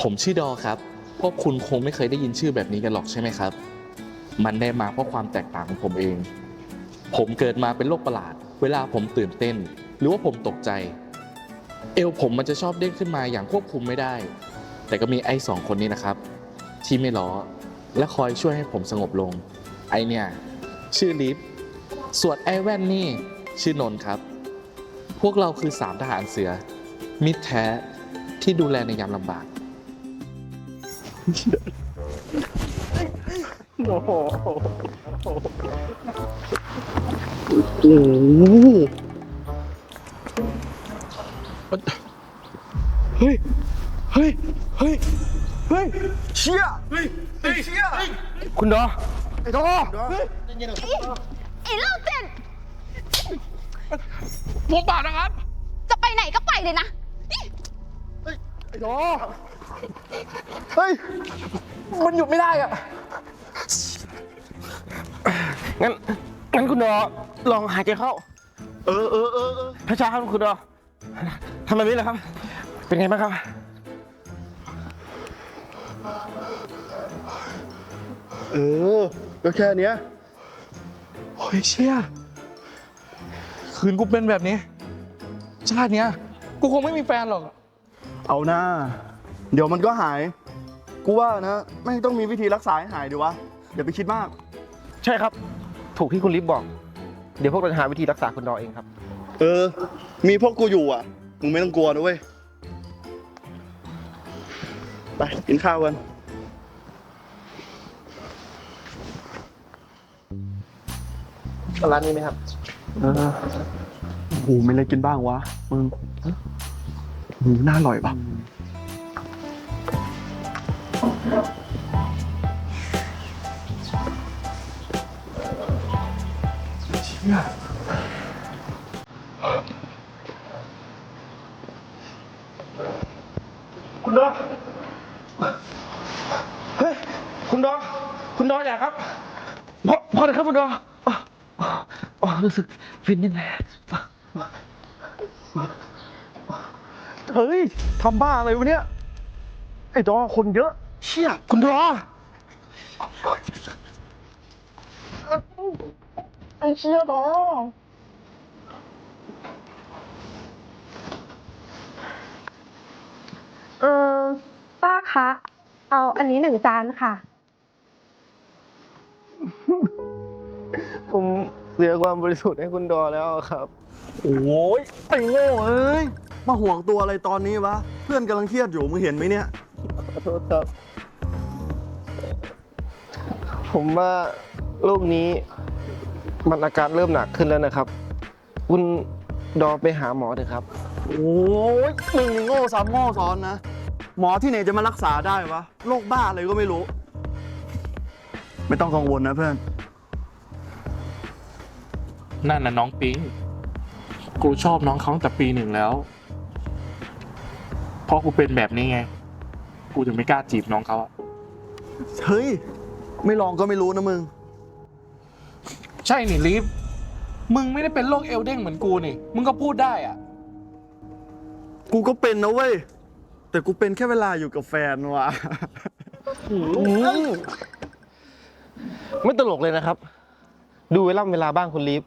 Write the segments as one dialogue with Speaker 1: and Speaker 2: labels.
Speaker 1: ผมชื่อดอครับพวกคุณคงไม่เคยได้ยินชื่อแบบนี้กันหรอกใช่ไหมครับมันได้มาเพราะความแตกต่างของผมเองผมเกิดมาเป็นโรคประหลาดเวลาผมตื่นเต้นหรือว่าผมตกใจเอวผมมันจะชอบเด้งขึ้นมาอย่างควบคุมไม่ได้แต่ก็มีไอ้สองคนนี้นะครับที่ไม่ล้อและคอยช่วยให้ผมสงบลงไอเนี่ยชื่อลิฟส่วนไอ้แว่นนี่ชื่อนนท์ครับพวกเราคือสามทหารเสือมิตรแท้ที่ดูแลในยามลำบาก
Speaker 2: โอ้โหเฮ้ย เฮ้ย เฮ้ย เฮ้ย เชี่ย เฮ้ย เชี่ย คุณดอไอ้ดอเฮ้ย
Speaker 3: ไอ้โรคจิต
Speaker 2: ผมบาดนะครับ
Speaker 3: จะไปไหนก็ไปเลยนะ
Speaker 2: ไอ้ดอเฮ้ย มันหยุดไม่ได้อะงั้นคุณดอลองหายใจเข้า ช้าๆครับคุณดอทำแบบนี้เลยครับ เป็นไงบ้างครับ
Speaker 4: ก็แค่เนี้ย
Speaker 2: โอ้ยเชี่ยคืนกูเป็นแบบนี้ ชาติเนี้ย กูคงไม่มีแฟนหรอก
Speaker 4: เอาหน้า เดี๋ยวมันก็หาย กูว่านะไม่ต้องมีวิธีรักษาให้หายดีวะ อย่าไปคิดมาก
Speaker 5: ใช่ครับ ถูกที่คุณลิฟบอก เดี๋ยวพวกเราจะหาวิธีรักษาคุณดอเองครับ
Speaker 4: มีพวกกูอยู่อ่ะ มึงไม่ต้องกลัวนะเว้ย ไปกินข้าวกัน
Speaker 5: ร้านนี้ไหมครับ
Speaker 4: โอ้โหไม่เลยกินบ้างวะ มึงน่าอร่อยปะ
Speaker 5: คุณดอเฮ้ย คุณดออย่าครับพอเลยครับคุณดอรู้สึกฟินนิดหน่อย
Speaker 4: เฮ้ยทำบ้าอะไรวะเนี่ย ไอ้ดอคนเยอะ
Speaker 5: เชี่ยคุณดอ
Speaker 4: ไอ้เชี่ยดอ
Speaker 6: ป้าคะ เอาอันนี้1 จานค่ะ
Speaker 5: ผมเสียความบริสุทธิ์ให้คุณดอแล้วครับ
Speaker 4: โอ้ยไอ้โง่เอ้ย มาห่วงตัวอะไรตอนนี้วะ เพื่อนกำลังเครียดอยู่ มึงเห็นไหมเนี่ย
Speaker 5: ขอโทษครับ ผมว่าโรคนี้มันอาการเริ่มหนักขึ้นแล้วนะครับ คุณดอไปหาหมอเถอะครับ
Speaker 4: โอ้ยมึงนี่โง่ซ้ำโง่ซ้อนนะ หมอที่ไหนจะมารักษาได้วะ โรคบ้าอะไรก็ไม่รู้ ไม่ต้องกังวลนะเพื่อน
Speaker 1: นั่นน่ะน้องปิ๊งกูชอบน้องเขาตั้งแต่ปี 1แล้วเพราะกูเป็นแบบนี้ไงกูถึงไม่กล้าจีบน้องเขาอะ
Speaker 4: เฮ้ย ไม่ลองก็ไม่รู้นะมึง
Speaker 1: ใช่นี่ลิฟมึงไม่ได้เป็นโรคเอลเด้งเหมือนกูนี่มึงก็พูดได้อะ
Speaker 4: กูก็เป็นนะเว้ย แต่กูเป็นแค่เวลาอยู่กับแฟนว่ะ
Speaker 5: ไม่ตลกเลยนะครับ ดูเวลาบ้างคุณลีฟ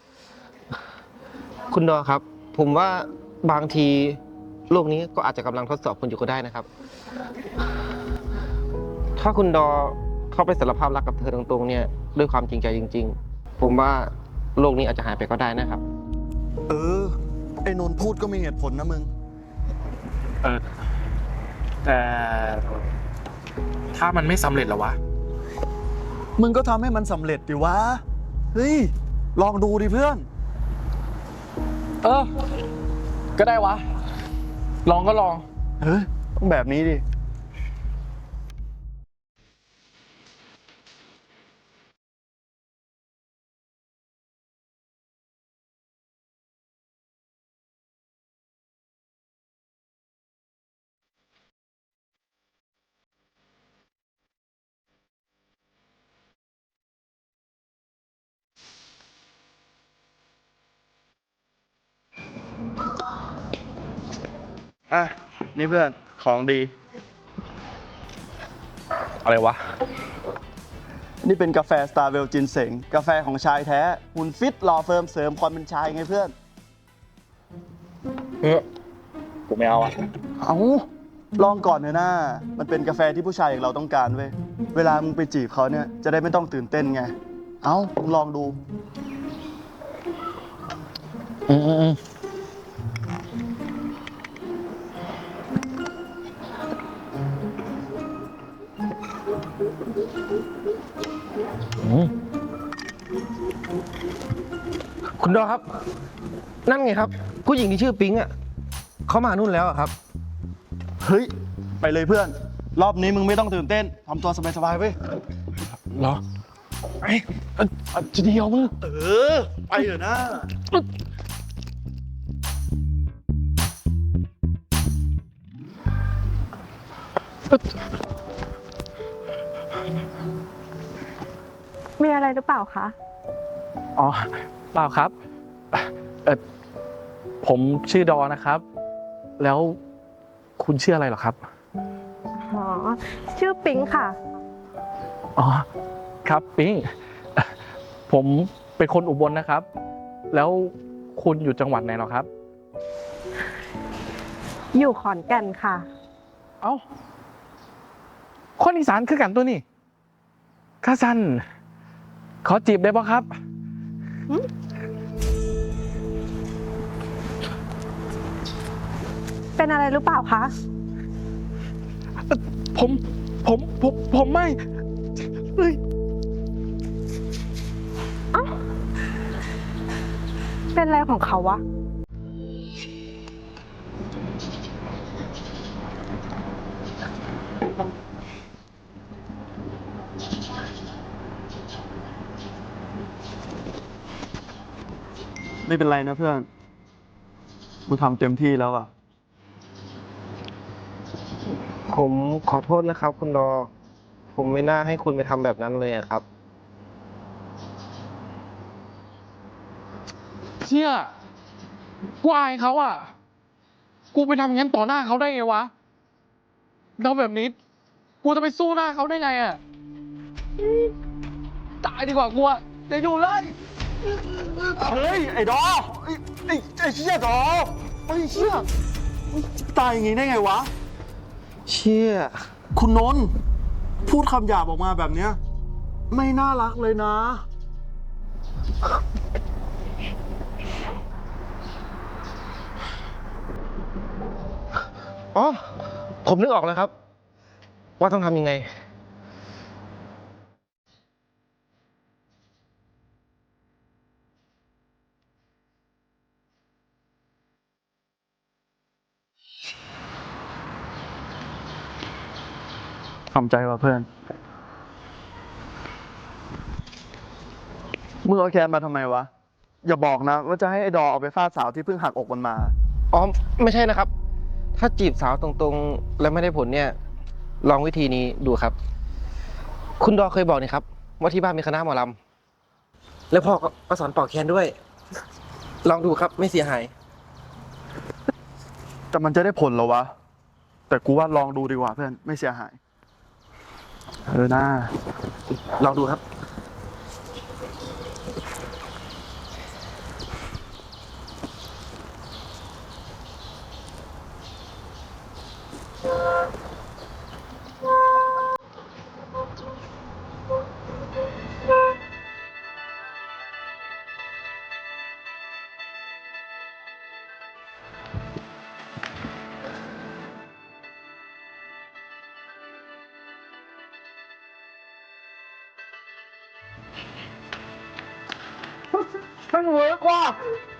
Speaker 5: คุณดอครับ ผมว่าบางทีโลกนี้ก็อาจจะกำลังทดสอบคุณอยู่ก็ได้นะครับ ถ้าคุณดอเข้าไปสารภาพรักกับเธอตรงๆเนี่ยด้วยความจริงใจจริง ๆ ผมว่าโลกนี้อาจจะหายไปก็ได้นะครับ
Speaker 4: ไอ้นนท์พูดก็มีเหตุผลนะมึง
Speaker 1: แต่ถ้ามันไม่สำเร็จหรอวะ
Speaker 4: มึงก็ทำให้มันสำเร็จดิวะ เฮ้ย ลองดูดิเพื่อน
Speaker 1: ก็ได้วะลองก็ลอง
Speaker 4: เฮ้ยต้องแบบนี้ดิ อ่ะ นี่เพื่อน ของดี
Speaker 2: อะไรวะ
Speaker 4: นี่เป็นกาแฟสตาร์เวลจินเสงกาแฟของชายแท้หุ่นฟิตหล่อเฟิร์มเสริมความเป็นชายไงเพื่อน
Speaker 2: ผมไม่เอาอ่ะ
Speaker 4: เอาลองก่อนเถอะนะมันเป็นกาแฟที่ผู้ชายอย่างเราต้องการเว้ย เวลามึงไปจีบเขาเนี่ยจะได้ไม่ต้องตื่นเต้นไง เอามึงลองดู
Speaker 5: คุณดอครับ นั่นไงครับ ผู้หญิงที่ชื่อปิ๊งอ่ะเขามานู่นแล้วอะครับ
Speaker 4: เฮ้ย ไปเลยเพื่อน รอบนี้มึงไม่ต้องตื่นเต้นทำตัวสบายๆเว้ย
Speaker 2: เหรอจะดีเอามึง
Speaker 4: เออ ไปเถอะนะ
Speaker 6: มีอะไรหรือเปล่าคะ
Speaker 1: อ๋อเปล่าครับผมชื่อดอนะครับ แล้วคุณชื่ออะไรเหรอครับ
Speaker 6: อ๋อ ชื่อปิ๊งค่ะ
Speaker 1: อ๋อครับปิ๊งผมเป็นคนอุบลนะครับ แล้วคุณอยู่จังหวัดไหนเหรอครับ
Speaker 6: อยู่ขอนแก่นค่ะ
Speaker 1: เอ้าคนอีสานคือกันตัวนี่ข้าสันขอจีบได้ปะครับ
Speaker 6: เป็นอะไรหรือเปล่าคะ
Speaker 1: ผมไม่เฮ้ย
Speaker 6: เป็นอะไรของเขาวะ
Speaker 4: ไม่เป็นไรนะเพื่อน มึงทำเต็มที่แล้วอ่ะ
Speaker 5: ผมขอโทษนะครับ คุณดอ ผมไม่น่าให้คุณไปทำแบบนั้นเลยอะครับ
Speaker 1: เชี่ยกูอายเขาอ่ะ กูไปทำงั้นต่อหน้าเขาได้ไงวะแล้วแบบนี้ กูจะไปสู้หน้าเขาได้ไงอ่ะตายดีกว่ากูอ่ะจะอยู่เลย
Speaker 4: เฮ้ย ไอ้ดอไอ้เชี่ยดอไอ้เชี่ยตายอย่างงี้ได้ไงวะ
Speaker 5: เชี่ย
Speaker 4: คุณนนท์พูดคำหยาบออกมาแบบเนี้ย ไม่น่ารักเลยนะ
Speaker 5: อ๋อ ผมนึกออกแล้วครับ ว่าต้องทำยังไง
Speaker 4: ทำใจว่ะเพื่อน มึงเอาแคนมาทำไมวะ อย่าบอกนะ ว่าจะให้ไอ้ดอเอาไปฟาดสาวที่เพิ่งหักอกมันมา
Speaker 5: อ๋อ ไม่ใช่นะครับ ถ้าจีบสาวตรงๆ แล้วไม่ได้ผลเนี่ย ลองวิธีนี้ดูครับ คุณดอเคยบอกนี่ครับ ว่าที่บ้านมีคณะหมอลำแล้วพ่อก็สอนเป่าแคนด้วย ลองดูครับไม่เสียหาย
Speaker 4: แต่มันจะได้ผลเหรอวะ แต่กูว่าลองดูดีกว่าเพื่อน ไม่เสียหาย เออหน้า
Speaker 5: ลองดูครับ
Speaker 2: มันเวิร์กว่ะ